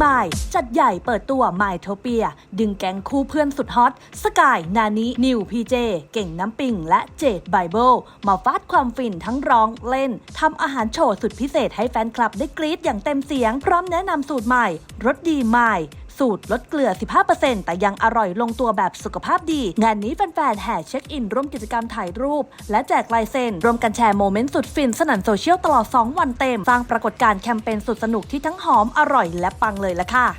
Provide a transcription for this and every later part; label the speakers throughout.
Speaker 1: มายจัดใหญ่เปิดตัวมายโทเปียดึงแก๊งคู่เพื่อนสุดฮอตสกายนานินิวพีเจเก่งน้ำปิงและเจดไบเบิลมาฟาดความฟินทั้งร้องเล่นทำอาหารโชว์สุดพิเศษให้แฟนคลับได้กรี๊ดอย่างเต็มเสียงพร้อมแนะนำสูตรใหม่รสดีมายสูตรลดเกลือ 15% แต่ยังอร่อยลงตัวแบบสุขภาพดีงานนี้แฟนๆแห่เช็คอินร่วมกิจกรรมถ่ายรูปและแจกลายเซ็นรวมกันแชร์โมเมนต์สุดฟินสนั่นโซเชียลตลอด2วันเต็มสร้างปรากฏการณ์แคมเปญสุดสนุกที่ทั้งหอมอร่อยและปังเลยละค่ะ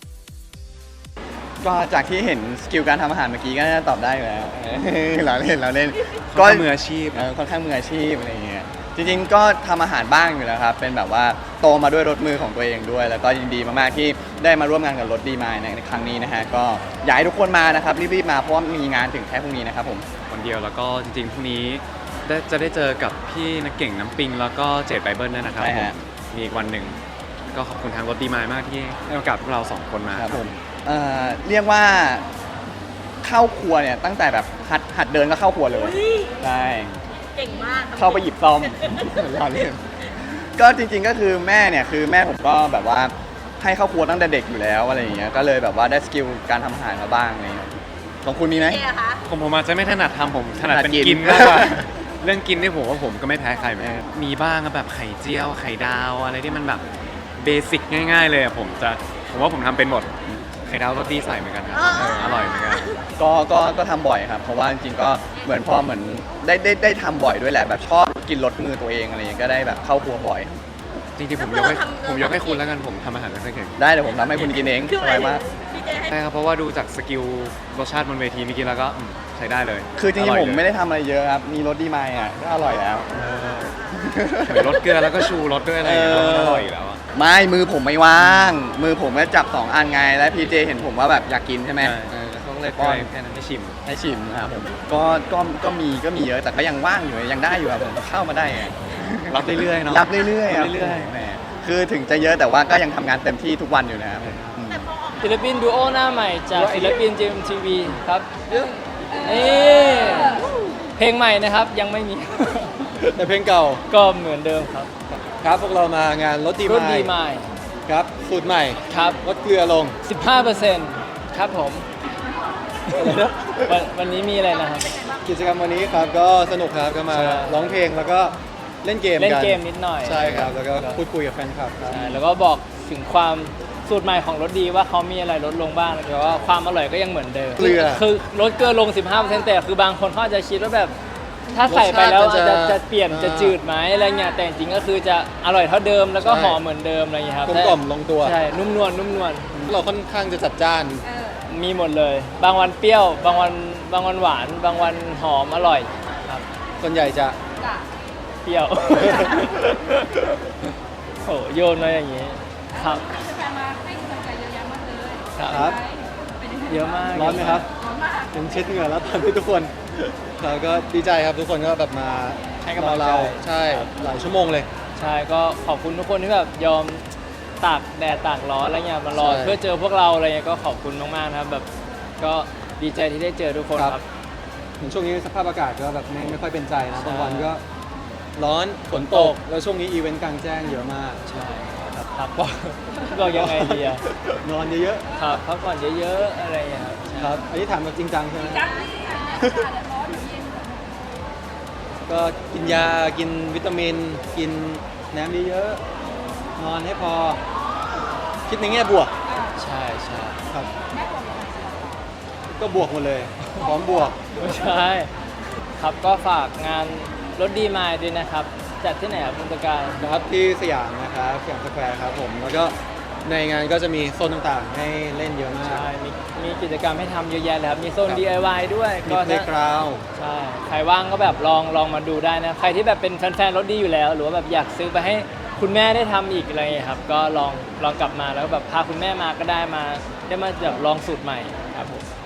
Speaker 2: ก็จากที่เห็นสกิลการทำอาหารเมื่อกี้ก็น่าจะตอบได้อยู่แล้ว เราเล่น
Speaker 3: ก็มืออาชีพ
Speaker 2: ค่อนข้างมืออาชีพอะไรอย่างเงี้ยจริงๆก็ทำอาหารบ้างอยู่แล้วครับเป็นแบบว่าโตมาด้วยรสมือของตัวเองด้วยแล้วก็ยินดีมากๆที่ได้มาร่วมงานกับรถดีมายในครั้งนี้นะฮะก็อยากให้ทุกคนมานะครับรีบๆมาเพราะว่ามีงานถึงแค่พรุ่งนี้นะครับผม
Speaker 3: วันเดียวแล้วก็จริงๆพรุ่งนี้จะได้เจอกับพี่นักเก่งน้ำปิงแล้วก็เจดไบเบิลด้วยนะครับผมมีอีกวันหนึ่งก็ขอบคุณทางรถดีมายมากที่ให้โอกาสพวกเรา2คนมา
Speaker 2: ครับผมเรียกว่าเข้าครัวเนี่ยตั้งแต่แบบหัดเดินก็เข้าครัวเลยใช่
Speaker 4: เก่งมาก
Speaker 2: เข้าไปหยิบซ่อมรอเล่นก็จริงๆก็คือแม่เนี่ยคือแม่ผมก็แบบว่าให้เข้าครัวตั้งแต่เด็กอยู่แล้วอะไรอย่างเงี้ยก็เลยแบบว่าได้สกิลการทำอาหารมาบ้างอะไรอย่างเงี้ยของคุณมีไหม
Speaker 3: ผมอาจจะไม่ถนัดทำผมถนัดเป็นกินมากกว่าเรื่องกินนี่ผมว่าผมก็ไม่แพ้ใครเหมือนกันมีบ้างแบบไข่เจียวไข่ดาวอะไรที่มันแบบเบสิกง่ายๆเลยผมว่าผมทำเป็นหมดไข่ดาวรสดีใส่เหมือนกันครับอร่อยเหมือนกัน
Speaker 2: ก็ทำบ่อยครับเพราะว่าจริงๆก็เหมือนพอเหมือนได้ทำบ่อยด้วยแหละแบบชอบกินรสมือตัวเองอะไรอย่างเงี้ยก็ได้แบบเข้าครัวบ่อย
Speaker 3: จริงๆผมยกให้คุณแล้วกันผมทำอาหารไม่ค่อยเก่ง
Speaker 2: ได้เดี๋ยวผมทำให้คุณกินเองสบายมาก
Speaker 3: ใช่ครับเพราะว่าดูจากสกิลรสชาติบนเวทีเมื่อกี้แล้วก็ใช้ได้เลย
Speaker 2: คือจริงๆผมไม่ได้ทำอะไรเยอะครับมีรสดีมายอ่ะก็อร่อยแล้ว
Speaker 3: รสเกลือแล้วก็ชูรสด้วยอะไรอย่างเงี้ยอร่อยอยู่แล้ว
Speaker 2: ไม่มือผมไม่ว่างมือผมก็จับ2อันไงแล้วพีเจเห็นผมว่าแบบอยากกินใช่ไหม
Speaker 3: เขาเลยป้อนแค่นั้นให้
Speaker 2: ชิมครับผมก็มีเยอะแต่ก็ยังว่างอยู่ยังได้อยู่ครับผมเข้ามาได้ไง
Speaker 3: รับเรื่อยๆเนาะ
Speaker 2: รับเรื่อยๆแหมคือถึงจะเยอะแต่ว่าก็ยังทำงานเต็มที่ทุกวันอยู่นะครับ
Speaker 5: ศิลปินดูโอหน้าใหม่จากศิลปิน JMTV ครับนี่เพลงใหม่นะครับยังไม่มี
Speaker 6: แต่เพลงเก่า
Speaker 5: ก็เหมือนเดิมครับ
Speaker 6: ครับพวกเรามางานรถดีมายครับสูตรใหม่
Speaker 5: ครับ
Speaker 6: ลดเกลือลง
Speaker 5: 15% ครับผมวันนี้มีอะไรนะครับ
Speaker 6: กิจกรรมวันนี้ครับก็สนุกครับก็มาร้องเพลงแล้วก็เล่นเกม
Speaker 5: นิดหน่อย
Speaker 6: ใช่ครับแล้วก็พูดคุยกับแฟนคลับครับ
Speaker 5: แล้วก็บอกถึงความสูตรใหม่ของรสดีว่าเขามีอะไรลดลงบ้างแต่ว่าความอร่อยก็ยังเหมือนเดิมคือลดเกลือลง 15% แต่คือบางคนเขาอาจจะคิดว่าแบบถ้าใส่ไปแล้วจะเปลี่ยนจะจืดไหมอะไรเงี้ยแต่จริงก็คือจะอร่อยเท่าเดิมแล้วก็หอมเหมือนเดิมอะไรเงี้ยครับ
Speaker 6: กลมกล่อมลงตัว
Speaker 5: ใช่นุ่มนวล
Speaker 6: เราค่อนข้างจะจัดจ้าน
Speaker 5: มีหมดเลยบางวันเปรี้ยวบางวันหวานบางวันหอมอร่อยครับ
Speaker 6: ส่วนใหญ่จะ
Speaker 5: เปรี้ยวโหโยนมาอย่างนี้ครับ
Speaker 6: ครับ
Speaker 5: เยอะมาก
Speaker 6: ร้อนไหมครับเป็นเช็ดเหงื่อแล้วตอนที่ทุกคนเราก็ดีใจครับทุกคนก็แบบมา
Speaker 5: ให้กำลังใจ
Speaker 6: ใช่หลายชั่วโมงเลย
Speaker 5: ใช่ก็ขอบคุณทุกคนที่แบบยอมตากแดดตากร้อนอะไรเงี้ยมารอเพื่อเจอพวกเราอะไรเงี้ยก็ขอบคุณมากๆนะครับแบบก็ดีใจที่ได้เจอทุกคนครับ
Speaker 6: ช่วงนี้สภาพอากาศก็แบบไม่ค่อยเป็นใจนะบางวันก็ร้อนฝนตกแล้วช่วงนี้อีเวนต์กลางแจ้งเยอะมาก
Speaker 5: ใช่ครับบอกยังไงดีอะ
Speaker 6: นอนเยอะ
Speaker 5: ๆครับพักผ่อนเยอะๆอะไรอย่างเงี้ย
Speaker 6: ครับอันนี้ถามแบบจริงจังใช่ไหมก็กินยากินวิตามินกินน้ำเยอะๆนอนให้พอคิดในแง่บวก
Speaker 5: ใช่
Speaker 6: ครับก็บวกหมดเลยพร้อมบวก
Speaker 5: ไม่ใช่ครับก็ฝากงานรถดีมายด้วยนะครับจัดที่ไหนครับคุณตะการ
Speaker 6: ครับที่สยามนะครับสยามสแควร์ครับผมแล้วก็ในงานก็จะมีโซนต่างๆให้เล่นเยอะมาก
Speaker 5: ใช่มีกิจกรรมให้ทำเยอะแยะเลยครับมีโซน DIY ด้วย
Speaker 6: ก็เพลย์กราวด์
Speaker 5: ใช่ใครว่างก็แบบลองมาดูได้นะใครที่แบบเป็นแฟนๆรถดีอยู่แล้วหรือว่าแบบอยากซื้อไปให้คุณแม่ได้ทำอีกอะไรครับก็ลองกลับมาแล้วแบบพาคุณแม่มาก็ได้มาแบบลองสูตรใหม่ครับผม